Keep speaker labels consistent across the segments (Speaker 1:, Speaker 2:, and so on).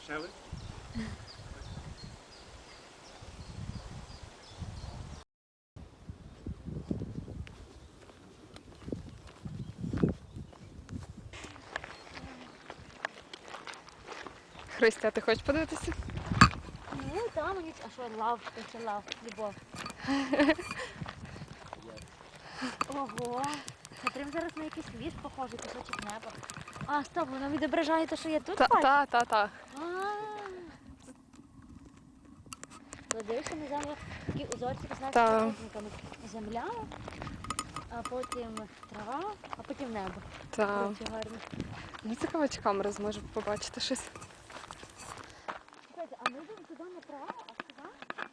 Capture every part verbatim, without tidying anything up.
Speaker 1: Шели?
Speaker 2: Христя, ти хочеш подивитися?
Speaker 3: Ну, там мені... А що, лав, це лав, любов. Ого, це прям зараз на якийсь ліс похожий, кусочок неба. А, стоп, воно відображає те, що я тут
Speaker 2: Та,
Speaker 3: бачу?
Speaker 2: та, та, та.
Speaker 3: Дивишся на землю, такі узорчики з
Speaker 2: Та.
Speaker 3: нашими признаками. Земля, а потім трава, а потім небо.
Speaker 2: Та.
Speaker 3: Дуже гарно.
Speaker 2: Ну, цікаво, чи камера зможе побачити щось.
Speaker 3: Чекайте, а ми йдемо туди направо, а сюди?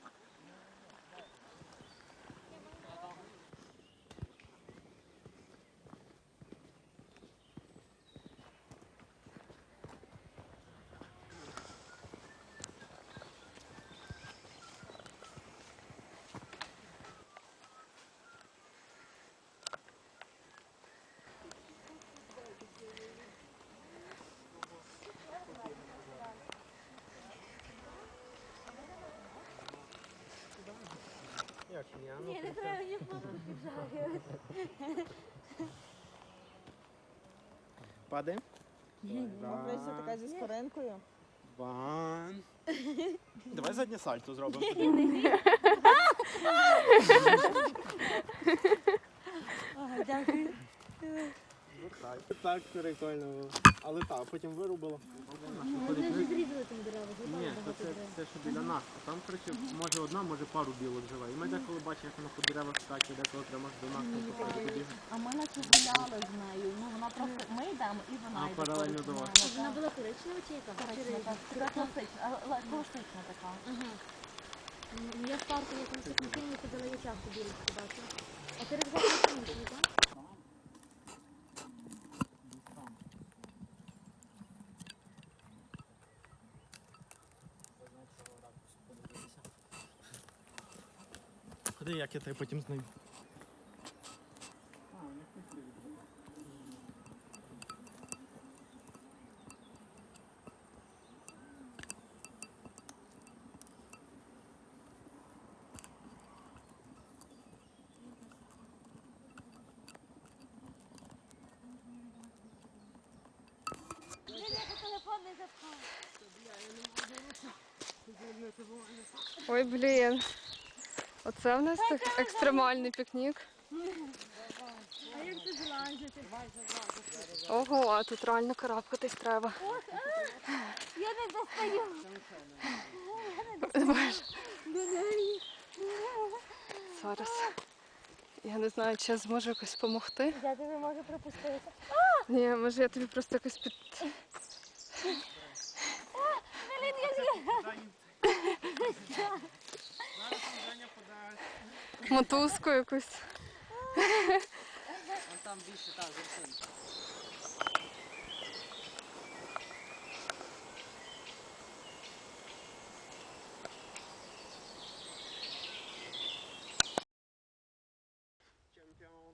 Speaker 1: Як ні, а ну,
Speaker 3: Ні, не треба, мені фото піджарювати.
Speaker 1: Падаємо?
Speaker 4: Мокриця така зі скоринкою.
Speaker 1: Ван. Давай заднє сальто зробимо.
Speaker 3: Ага, дякую.
Speaker 1: Так прикольно було. Але так, потім вирубило.
Speaker 3: Вони вже зрізали там дерева,
Speaker 5: Ні,
Speaker 3: зрубали
Speaker 5: то
Speaker 3: багато
Speaker 5: це,
Speaker 3: дерев.
Speaker 5: це що біля нас. А там, коротше, може одна, може пару білок живе. І ми деколи бачимо, як вона по деревах скаче, деколи прямо аж до нас там походить побігає.
Speaker 4: А ми наче гуляли з нею. Ну вона просто ми йдемо і вона
Speaker 5: А,
Speaker 4: йде.
Speaker 5: паралельно до вас.
Speaker 3: А вона була коричнева чи яка? Чи рижа?
Speaker 4: Така класична, але класична така.
Speaker 3: Ага. Ну, я в парку, я там всіх машині ходила, я часто білочку бачила. А ти рюкзак не інший, так?
Speaker 1: Ходи, як я тебе потім знаю.
Speaker 3: Телефон не запхав.
Speaker 2: Ой, блін. Оце в нас так екстремальний пікнік.
Speaker 3: А як ти злазити?
Speaker 2: Ого, а тут реально карабкатись треба.
Speaker 3: Я не достаю.
Speaker 2: Зараз. Я не знаю, чи я зможу якось допомогти.
Speaker 3: Я тобі можу пропустити.
Speaker 2: Ні, може я тобі просто якось під...
Speaker 3: Блін, я з'їла.
Speaker 2: мотузку якусь.
Speaker 5: Там більше, так, вершинка.
Speaker 1: Чемпіон.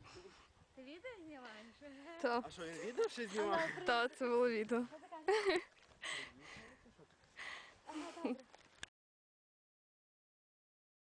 Speaker 3: Ти відео знімаєш?
Speaker 2: Та,
Speaker 1: А що, він відео ще знімав?
Speaker 2: та, це було відео.